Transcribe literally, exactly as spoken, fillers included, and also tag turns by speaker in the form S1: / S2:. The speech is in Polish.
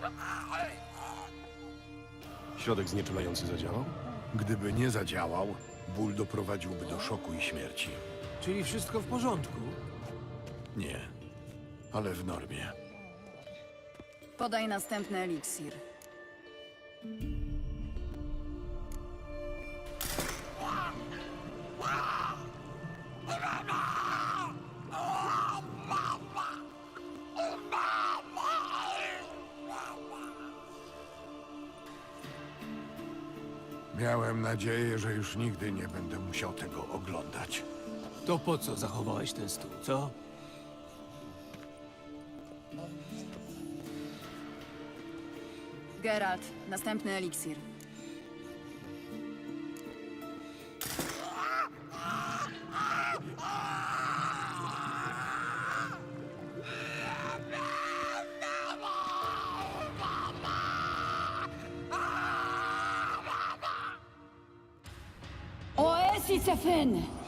S1: Środek znieczulający zadziałał?
S2: Gdyby nie zadziałał, ból doprowadziłby do szoku i śmierci.
S3: Czyli wszystko w porządku?
S2: Nie, ale w normie.
S4: Podaj następny eliksir.
S2: Miałem nadzieję, że już nigdy nie będę musiał tego oglądać.
S3: To po co zachowałeś ten stół, co?
S4: Geralt, następny eliksir. Oesicefyn!